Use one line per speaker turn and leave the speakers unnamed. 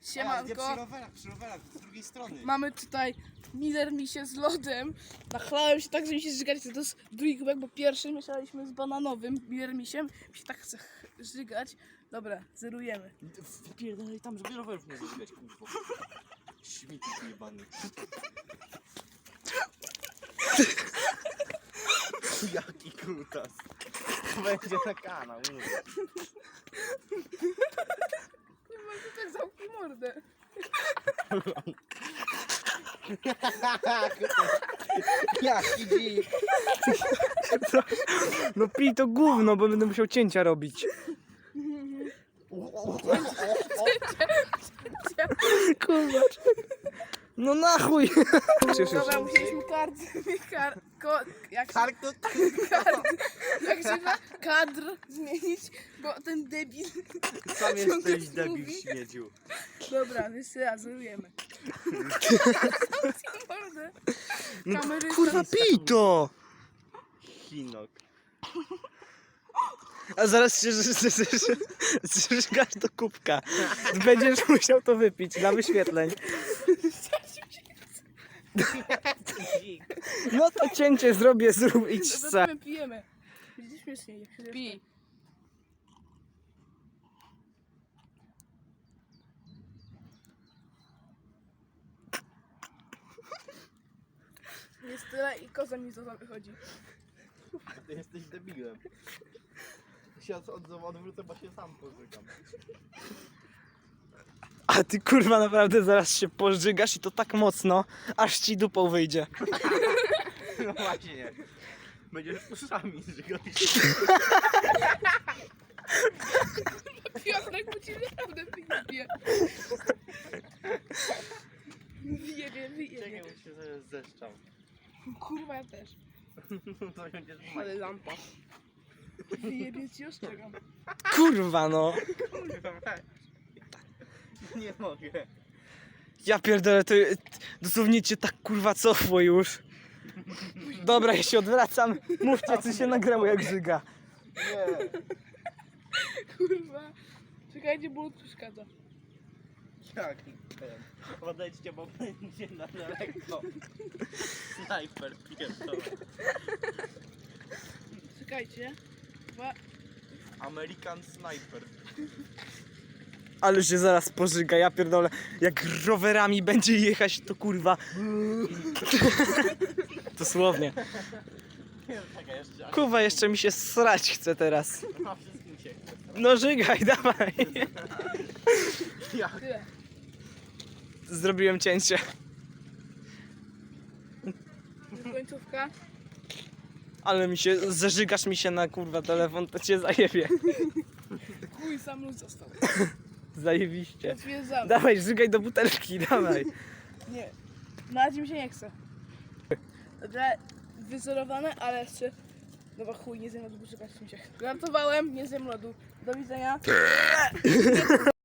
Siemanko.
Przy rowerach, z drugiej strony.
Mamy tutaj Miller Misie z lodem. Nachlałem się tak, że mi się żygać. To jest drugi kubek, bo pierwszy mieszaliśmy z bananowym Miller Misiem. Mi się tak chce żygać. Dobra, zerujemy.
Wpierdolaj tam, żeby rowerów nie zażygać, kurwa. Śmieci jebany. Jaki kutas. Będzie na kanał, mówię.
Nie może tak zamknij mordę.
Jaki dzik.
No pij to gówno, bo będę musiał cięcia robić. Kurwa. No na chuj.
Dobra, musieliśmy kadr zmienić, bo ten debil
Sam
ciągle
jesteś debil,
mówi.
śmiedziu.
Dobra, jeszcze raz, zerujemy. Zamknij mordę.
No,
Kamery
kurwa
są-
pij to.
Chinok.
A zaraz się zżygasz do kubka. Będziesz musiał to wypić dla wyświetleń. No to cięcie zrobię, zrób idź sam.
Zobaczymy, pijemy. Będzie śmieszniej. Jak się
Pij.
Jest tyle i koza mi za wychodzi.
Ty jesteś debilem. Się odwrócę, bo się sam pożygam.
A ty kurwa naprawdę zaraz się pożygasz i to tak mocno, aż ci dupą wyjdzie.
No właśnie. Będziesz uszami żygał.
Piotrek, bo ci naprawdę wyjebie. Wyjebie.
Czekaj, bo się zaraz zeszczał.
Kurwa, ja też.
To będziesz
Ale lampa.
Wyjebie ci, ostrzegam.
Kurwa no.
Nie mogę.
Ja pierdolę, to dosłownie cię tak kurwa cofło już. Dobra, ja się odwracam. Mówcie, co się nagrało jak żyga.
Nie.
Kurwa. Czekajcie, bo przeszkadza.
Jaki ten. Podejdźcie, bo będzie na daleko. Snajper pierdolę.
Czekajcie. Dwa.
American Sniper.
Ale się zaraz pożyga, ja pierdolę. Jak rowerami będzie jechać, to kurwa. Dosłownie.
Czekaj, jeszcze.
Kurwa, jeszcze mi się srać chce teraz.
A wszystkim się chce.
No żygaj, dawaj.
Tyle.
Zrobiłem cięcie.
Końcówka.
Ale mi się, zażygasz mi się na kurwa telefon, to cię zajebie.
Chuj, sam lud został.
Zajebiście.
Potwierdzam.
Dawaj, żygaj do butelki, dawaj.
Nie. Na razie mi się nie chce. Dobra, wyzerowane, ale jeszcze... Dobra, chuj, nie zjem lodu, poczekać mi się. Gratowałem, nie zjem lodu. Do widzenia.